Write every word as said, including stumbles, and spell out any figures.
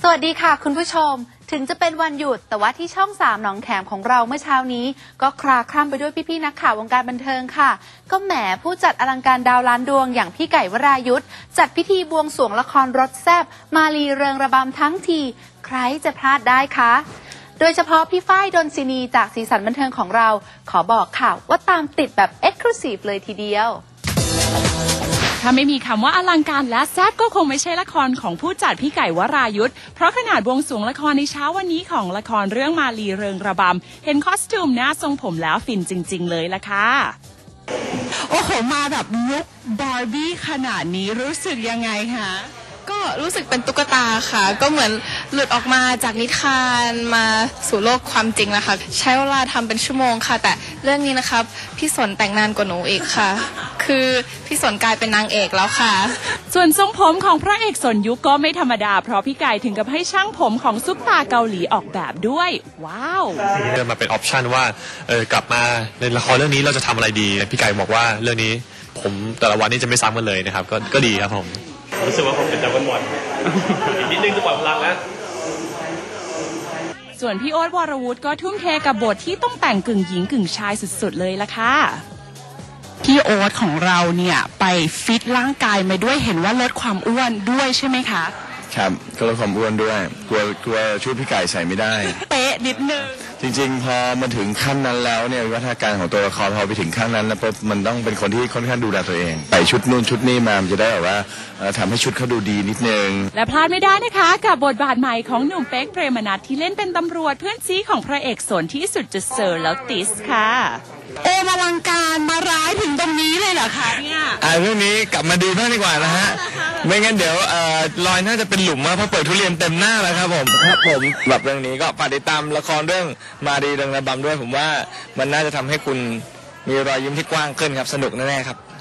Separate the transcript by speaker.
Speaker 1: สวัสดีค่ะคุณผู้ชมถึงจะเป็นวันหยุดแต่ว่าที่ช่องสามหนองแขมของเราเมื่อเช้านี้ก็คลาคล่ำไปด้วยพี่ๆนักข่าววงการบันเทิงค่ะก็แหมผู้จัดอลังการดาวล้านดวงอย่างพี่ไก่วรายุทธจัดพิธีบวงสรวงละครรสแซ่บมาลีเริงระบำทั้งทีใครจะพลาดได้คะโดยเฉพาะพี่ฝ้ายดนศินีจากสีสันบันเทิงของเราขอบอกข่าวว่าตามติดแบบเอ็กซ์คลูซีฟเลยทีเดียว
Speaker 2: ถ้าไม่มีคำว่าอลังการและแซ่บก็คงไม่ใช่ละครของผู้จัดพี่ไก่วรายุทธเพราะขนาดบวงสรวงละครในเช้าวันนี้ของละครเรื่องมาลีเริงระบำเห็นคอสตูมหน้าทรงผมแล้วฟินจริงๆเลยล่ะค่ะโอ้โหมาแบบลุคบาร์บี้ขนาดนี้รู้สึกยังไงคะ
Speaker 3: ก็รู้สึกเป็นตุ๊กตาค่ะก็เหมือนหลุดออกมาจากนิทานมาสู่โลกความจริงแล้วค่ะใช้เวลาทำเป็นชั่วโมงค่ะแต่เรื่องนี้นะครับพี่สนแต่งนานกว่าหนูอีกค่ะคือพี่สนกลายเป็นนางเอกแล้วค่ะ
Speaker 2: ส่วนทรงผมของพระเอกสนยุคก็ไม่ธรรมดาเพราะพี่ไก่ถึงกับให้ช่างผมของซุปตาเกาหลีออกแบบด้วยว้าว
Speaker 4: เดินมาเป็นออปชันว่าเออกลับมาในละครเรื่องนี้เราจะทำอะไรดีพี่ไก่บอกว่าเรื่องนี้ผมแต่ละวันนี้จะไม่ซ้ำกันเลยนะครับก็ก็ดีครับผม
Speaker 5: รู้สึกว่าผมเป็นดาวน์บอลอีกนิดนึงจะปล่อยพลังแล้ว
Speaker 2: ส่วนพี่โอ๊ตวรวุฒิก็ทุ่มเทกับบทที่ต้องแต่งกึ่งหญิงกึ่งชายสุดๆเลยล่ะค่ะพี่โอ๊ตของเราเนี่ยไปฟิตร่างกายมาด้วยเห็นว่าลดความอ้วนด้วยใช่ไหมคะ
Speaker 6: ครับก็ลดความอ้วนด้วยกลัวกลัวชุดพี่ไก่ใส่ไม่ได้
Speaker 2: เป๊ะนิดนึง
Speaker 6: จริงๆพอมาถึงขั้นนั้นแล้วเนี่ยวิวัฒนาการของตัวละครพอไปถึงขั้นนั้นแล้วปุ๊บมันต้องเป็นคนที่ค่อนข้างดูแลตัวเองใส่ชุดนู่นชุดนี้มามันจะได้แบบว่าทำให้ชุดเขาดูดีนิดนึง
Speaker 2: และพลาดไม่ได้นะคะกับบทบาทใหม่ของหนุ่มเป๊กเปรมนัสที่เล่นเป็นตำรวจเพื่อนซีของพระเอกสนที่สุดจะเซอร์แล้วติสค่ะโอมาลังการมาร้ายถึงตรงนี้เลยเหรอคะเนี่ย
Speaker 6: อ่าเรื่องนี้กลับมาดูบ้างดีกว่านะฮะไม่งั้นเดี๋ยวเอ่อรอยน่าจะเป็นหลุมมากเพราะเปิดทุเรียนเต็มหน้าแล้วครับผมครับผมแบบเรื่องนี้ก็ฝากติดตามละครเรื่องมาดีเริงระบำด้วยผมว่ามันน่าจะทำให้คุณมีรอยยิ้มที่กว้างขึ้นครับสนุกแน่ๆครับ